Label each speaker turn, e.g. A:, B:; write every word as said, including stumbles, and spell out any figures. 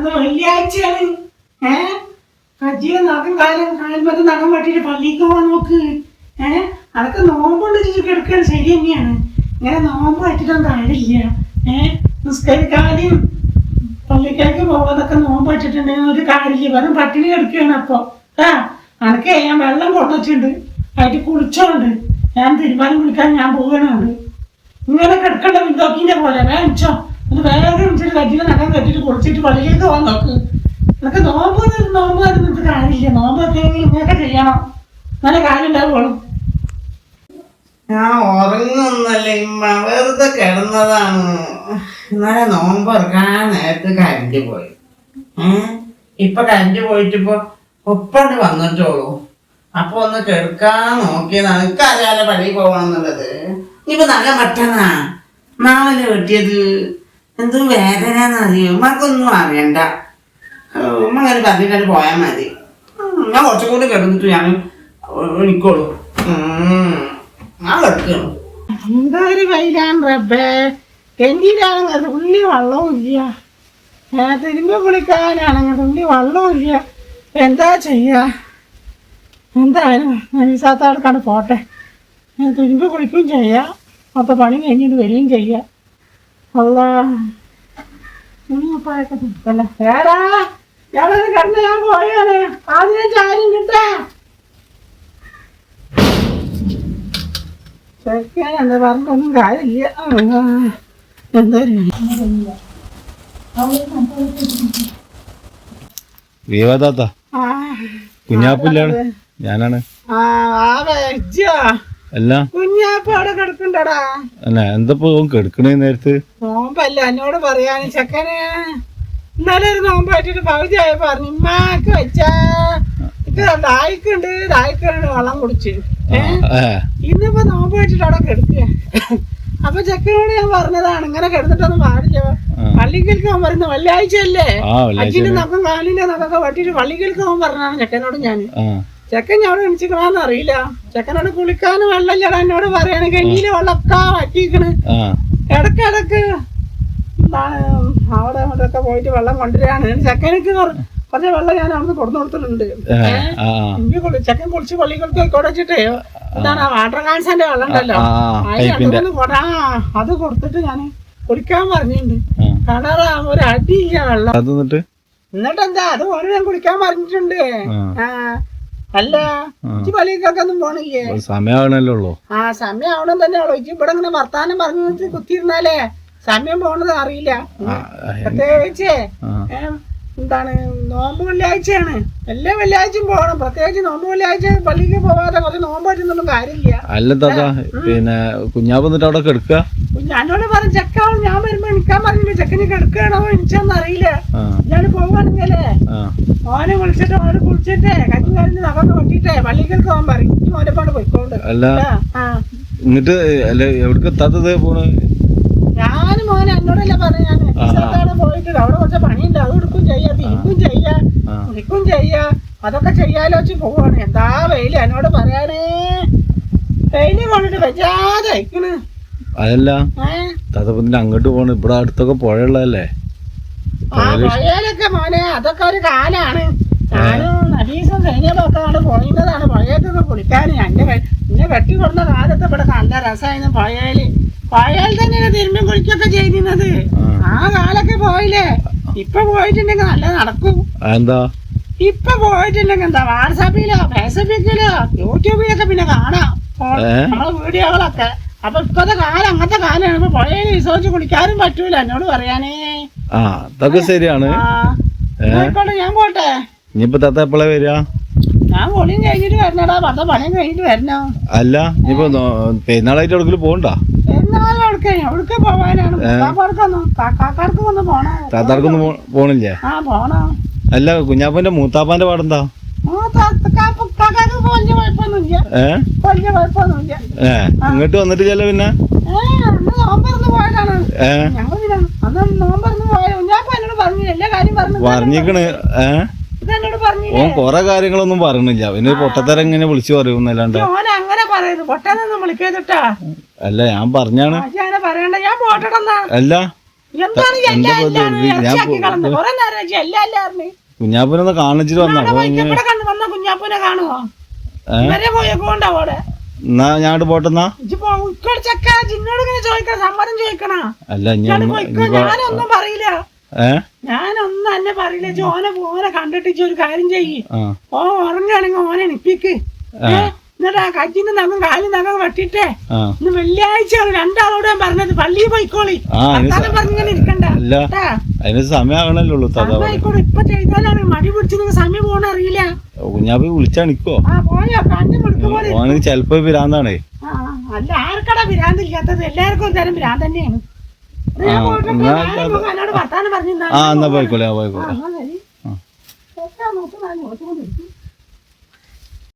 A: അന്ന് വെള്ളിയാഴ്ചയാണ്. ഏഹ് കജ്ജിയെ നഖം കാലം കാൽമത്ത് നഖം വെട്ടിട്ട് പള്ളിക്ക് പോകാൻ നോക്ക്. ഏഹ് അതൊക്കെ നോമ്പുകൊണ്ട് കിടക്കാൻ ശരി തന്നെയാണ്. ഇങ്ങനെ നോമ്പ് വെച്ചിട്ടൊന്നും കാര്യമില്ല. ഏഹ് നിസ്കരിക്കാനും പള്ളിക്കാർക്ക് പോകാതൊക്കെ നോമ്പ് വെച്ചിട്ടുണ്ടെങ്കിൽ ഒരു കാര്യമില്ല. വെറും പട്ടിണി കിടക്കുകയാണ്. അപ്പൊ ആ അനക്കെ ഞാൻ വെള്ളം കൊണ്ടുവച്ചിട്ടുണ്ട്, അതിട്ട് കുളിച്ചോണ്ട് ഞാൻ തീരുമാനം വിളിക്കാൻ ഞാൻ പോകണുണ്ട്. ഇങ്ങനെ കിടക്കേണ്ട വിന്തോക്കിന്റെ പോലെ വേണിച്ചോ ഒന്ന് വേഗം വിളിച്ചിട്ട് കജ്ജിലെ നഖം കെട്ടിട്ട് കുളിച്ചിട്ട് പള്ളിയിലേക്ക് പോകാൻ നോക്ക്. അതൊക്കെ നോമ്പ് നോമ്പ് നിന്നിട്ട് കാര്യമില്ല. നോമ്പൊക്കെ ഇങ്ങനെയൊക്കെ ചെയ്യണം, നല്ല കാര്യം ഉണ്ടാവുള്ളൂ.
B: ഞാൻ ഉറങ്ങുന്നല്ല ഇമ്മ, വെറുതെ കിടന്നതാണ്. ഇന്നലെ നോമ്പറക്കാൻ നേരത്ത് കരണ്ട് പോയി. ഏഹ് ഇപ്പൊ കരണ്ട് പോയിട്ടിപ്പോ ഒപ്പണ്ട് വന്നിട്ടോളൂ. അപ്പൊ ഒന്ന് കെടുക്കാൻ നോക്കിയതാണ്. എനിക്കറിയാലോ പള്ളിയിൽ പോകണമെന്നുള്ളത്. ഇപ്പൊ നല്ല മട്ടനാ നാളെ വെട്ടിയത്. എന്ത് വേദനന്നറിയോ? ഉമ്മക്കൊന്നും അറിയണ്ട. ഉമ്മ അങ്ങനെ പറഞ്ഞിട്ട് പോയാൽ മതി. ഞാൻ കുറച്ചും കൂടി കിടന്നിട്ട് ഞാൻ എനിക്കോളൂ. ഞാൻ കിടക്കണം.
A: എന്താ ഒരു വെയിലാണ് റബ്ബേ. കെന്റിയിലാണെങ്കിൽ തുള്ളി വെള്ളവും ഇല്ല. തിരുമ്പി കുളിക്കാനാണെങ്കിൽ തുള്ളി വെള്ളവും ഇല്ല. എന്താ ചെയ്യാ? എന്തായാലും നൈസാത്താടക്കാണ് പോട്ടെ. തിരുമ്പി കുളിക്കുകയും ചെയ്യാം, അപ്പോൾ പണി കഴിഞ്ഞിട്ട് വരികയും ചെയ്യാം. അല്ലാ ഉപ്പായൊക്കെ തിരിക്കല്ല. വേറാ ഞാനത് കിടന്ന് ഞാൻ പോയാണ്. ആദ്യം ചാരും കിട്ടാ ചോദിക്കാൻ എന്താ പറഞ്ഞൊന്നും കാര്യമില്ല. എന്താ
C: കുഞ്ഞാപ്പില്ലാണ് ഞാനാണ്. അല്ല
A: കുഞ്ഞാപ്പ അവിടെ കിടക്കണ്ടടാ.
C: എന്താ കിടക്കണേ നേരത്ത്?
A: നോമ്പല്ല എന്നോട് പറയാന്. ചെക്കന് ഇന്നലെ ഒരു നോമ്പ് വെച്ചിട്ട് പകുതി ആയി പറഞ്ഞു ഉമ്മാക്ക് വെച്ചാ ഇത് ദാഹിക്കുണ്ട് ദാഹിക്കുണ്ട് വെള്ളം കുടിച്ച്. ഇന്നിപ്പോ നോമ്പ് വെച്ചിട്ട് അവിടെ കിടക്കുക. അപ്പൊ ചെക്കനോട് ഞാൻ പറഞ്ഞതാണ് ഇങ്ങനെ കിടന്നിട്ടൊന്നും പാടില്ല. പള്ളിക്കൽക്ക് അവൻ പറയുന്ന വെള്ളിയാഴ്ച അല്ലേ, അച്ഛന്റെ നഖം കാലിന്റെ നഖമൊക്കെ വെട്ടിട്ട് പള്ളിക്കൽക്ക് അവൻ പറഞ്ഞാണ് ചെക്കനോട്. ഞാൻ ചെക്കൻ ഞാൻ എണിച്ചിക്കണാന്ന് അറിയില്ല. ചെക്കനോട് കുളിക്കാനും വെള്ളമില്ലടാ എന്നോട് പറയാണ്. കഞ്ഞിയില് വെള്ളമൊക്കെ വറ്റിക്കണ്. ഇടക്കിടക്ക് എന്താണ് അവിടെ അങ്ങോട്ടൊക്കെ പോയിട്ട് വെള്ളം കൊണ്ടുവരികയാണ്. ചെക്കനക്ക് കുറച്ച് വെള്ളം ഞാൻ അവിടുന്ന് കൊടുത്തു കൊടുത്തിട്ടുണ്ട്. എനിക്ക് ചെക്കൻ കുളിച്ച് പള്ളിക്കൽക്ക് കൊടച്ചിട്ടേ എന്താണ് വാട്ടർ കാൻസന്റെ വെള്ളം ഉണ്ടല്ലോ, അതിന് കൊടാ അത് കൊടുത്തിട്ട് ഞാൻ കുളിക്കാൻ പറഞ്ഞിട്ടുണ്ട്. കളറാ ഒരു അടിയില്ല വെള്ളം. എന്നിട്ട് എന്താ അത് ഓരോ ഞാൻ കുളിക്കാൻ പറഞ്ഞിട്ടുണ്ട്. ആ അല്ല ഇച്ചി പള്ളിക്കൊക്കെ ഒന്നും പോണില്ലേ?
C: സമയമാണല്ലോ.
A: ആ സമയം ആവണം തന്നെ ഉള്ളു. ഇച്ചി ഇവിടെ ഇങ്ങനെ വർത്താനം പറഞ്ഞു കുത്തിയിരുന്നാലേ സമയം പോണത് അറിയില്ല. പ്രത്യേകിച്ചേ എന്താണ് നോമ്പ് വെള്ളിയാഴ്ചയാണ്. എല്ലാ വെള്ളിയാഴ്ചയും പോകണം. പ്രത്യേകിച്ച് നോമ്പ് വെള്ളിയാഴ്ച പള്ളിക്ക് പോവാതെ കുറച്ച് നോമ്പ് പറ്റുന്നൊന്നും കാര്യമില്ല.
C: അല്ല താത്ത പിന്നെ കുഞ്ഞാപ്പ് എന്നിട്ട് അവിടെ കിടക്കുക.
A: ഞാനോട് പറഞ്ഞു ചെക്കാവും ഞാൻ വരുമ്പോ എനിക്കാൻ പറഞ്ഞില്ല. ചെക്കന് കിടക്കുകയാണോ എനിച്ചൊന്നും അറിയില്ല. ഞാൻ പോവാണെങ്കിലേ ഓനെ വിളിച്ചിട്ട് ഓനെ കുളിച്ചിട്ടേ കഞ്ഞി കഴിഞ്ഞ് നഖമൊക്കെ വെട്ടിട്ടേ പള്ളിക്കൽക്ക് പോകാൻ പറയും. ഓനെ പാട് പോയിക്കോണ്ട്.
C: അല്ല എന്നിട്ട് അല്ല എവിടേക്ക് എത്താത്തത് പോണ്?
A: ഞാനും മോനെ എന്നോടല്ലേ പറഞ്ഞു. ഞാൻ സ്ഥലത്താണ് പോയിട്ട് അവിടെ കുറച്ച് പണിയുണ്ട്, അത് എടുക്കും ചെയ്യാ, തിരിക്കും ചെയ്യാ, കുളിക്കും ചെയ്യാ, അതൊക്കെ ചെയ്യാലോ വെച്ച് പോവാണ്. എന്താ വെയില് എന്നോട് പറയാനേ. വെയില് കൊണ്ടിട്ട് വെച്ചാതെ അയക്കണ്.
C: അതല്ല താത്തപ്പത്തിന്റെ അങ്ങോട്ട് പോണ്. ഇവിടെ അടുത്തൊക്കെ പുഴയുള്ളതല്ലേ?
A: ആ പുഴയിലൊക്കെ മോനെ അതൊക്കെ ഒരു കാലാണ്. ഞാനും നബീസും സൈന്യപ്പൊക്കെ പോയിരുന്നതാണ് പുഴയൊക്കെ കുളിക്കാൻ. എന്റെ എന്നെ വെട്ടി കൊടുന്ന കാലത്ത് ഇവിടെ നല്ല രസമായിരുന്നു പുഴയില്. പുഴയിൽ തന്നെയാണ് തിരുമ്പും കുളിക്കൊക്കെ ചെയ്യുന്നത്. ആ കാലൊക്കെ പോയില്ലേ. ഇപ്പൊ പോയിട്ടുണ്ടെങ്കിൽ നല്ല നടക്കും.
C: എന്താ
A: ഇപ്പൊ പോയിട്ടുണ്ടെങ്കിൽ എന്താ വാട്സാപ്പിലോ ഫേസ്ബുക്കിലോ യൂട്യൂബിലൊക്കെ പിന്നെ കാണാം നമ്മളെ വീഡിയോകളൊക്കെ. അപ്പൊ ഇപ്പത്തെ കാലം അങ്ങനത്തെ കാലാണ്. ഇപ്പൊ പുഴയിൽ വിശ്വസിച്ച് കുളിക്കാനും പറ്റൂല എന്നോട് പറയാനേ.
C: ആ അതൊക്കെ ശരിയാണ്.
A: ഞാൻ പോട്ടെ.
C: ഇനിയിപ്പോ താത്ത എപ്പോഴാ വരിക?
A: ഞാൻ പൊളിയും കഴിഞ്ഞിട്ട് വരണടാ. പത്ത പണിയും കഴിഞ്ഞിട്ട് വരണോ?
C: അല്ല ഇനിയിപ്പോ പെരുന്നാളായിട്ട് എവിടെങ്കിലും പോകണ്ട?
A: പെരുന്നാളും എവിടേക്ക് എവിടേക്ക് പോവാനാണ്? കാക്കാർക്ക് ഒന്ന് പോണോ?
C: താത്താർക്കൊന്നും പോണില്ലേ?
A: ആ പോണോ.
C: അല്ല കുഞ്ഞാപ്പന്റെ മൂത്താപ്പാന്റെ പാടെന്താ? ഏ ഇങ്ങോട്ട് വന്നിട്ടില്ല പിന്നെ? പറഞ്ഞിക്കണ്. ഏഹ് ഓൻ കൊറേ കാര്യങ്ങളൊന്നും പറഞ്ഞില്ല. പിന്നെ പൊട്ടത്തരം ഇങ്ങനെ വിളിച്ചു പറയുന്നല്ലാണ്ട്. അല്ല ഞാൻ പറഞ്ഞാണ്. അല്ല
A: എന്താണ് ഈ
C: എന്താ
A: എല്ലാ
C: ഇപ്പൊ ഇത്?
A: എല്ലാവരും
C: ഞാൻ
A: ഇറച്ചിയാക്കി
C: പോ-
A: കളഞ്ഞത്? കുറെ നേരം വെച്ച് എല്ലാ എല്ലാവരും
C: കുഞ്ഞാപ്പൂനൊന്ന് കാണിച്ചിട്ട് വന്ന അപ്പൊ ഇങ്ങനെ
A: ഇവിടെ കണ്ടു വന്ന കുഞ്ഞാപ്പൂനെ കാണുമോ?
C: ഏ?
A: ഇവരെ പോയേക്കോണ്ട അവിടെ
C: എന്നാ ഞാട് പോട്ടെന്നാ.
A: ചക്ക ജിന്നോട് ഇങ്ങനെ ചോദിക്കണം, സമ്മതം ചോദിക്കണ.
C: അല്ല ഞാൻ
A: ഞാനൊന്നും പറയില്ല,
C: ഏ
A: ഞാനൊന്നും എന്നെ പറയില്ല. ഓനെ ഓനെ കണ്ടിട്ട് ഇജ്ജ് ഒരു കാര്യം ചെയ്യ്,
C: ആ
A: ഓ ഉറങ്ങുകയാണെങ്കിൽ ഓനെ എണിപ്പിക്ക്. എന്നിട്ട് ആ കജ്ജിന്റെ നഖം കാലും നഖം വെട്ടിട്ടേ
C: ആ
A: ഇന്ന് വെള്ളിയാഴ്ച രണ്ടാളോട് ഞാൻ പറഞ്ഞത് പള്ളിയിൽ പോയിക്കോളി,
C: ആ, അതിന്
A: വർത്താനം പറഞ്ഞിങ്ങനെ ഇരിക്കണ്ട.
C: അല്ല
A: കേട്ടാ?
C: അതിന് സമയമാകണല്ലോ ഉള്ളൂ. അതാ
A: ആയിക്കോട്ടെ, ഇപ്പൊ ചെയ്താലാണ് മടി പിടിച്ച് നിങ്ങൾ സമയം പോകണ അറിയില്ല.
C: കുഞ്ഞാപ്പി വിളിച്ചാണിക്കോ
A: ആ പോയോ കണ്ണു പിടിക്കും പോലെ.
C: ഓന് ചെലപ്പോ പിരാന്താണേ.
A: ആ അല്ല, ആർക്കടാ ഭ്രാന്തില്ലാത്തത്? എല്ലാവർക്കും ഒരു തരം ഭ്രാന്ത് തന്നെയാണ്.
C: ആ, എന്നാ
A: എന്നോട് വർത്താനം പറഞ്ഞു.
C: ആ എന്നാ പോയിക്കോളെ, ആ പോയിക്കോളെ.
A: ആ, ശരി.
C: ആ.
A: നോക്കി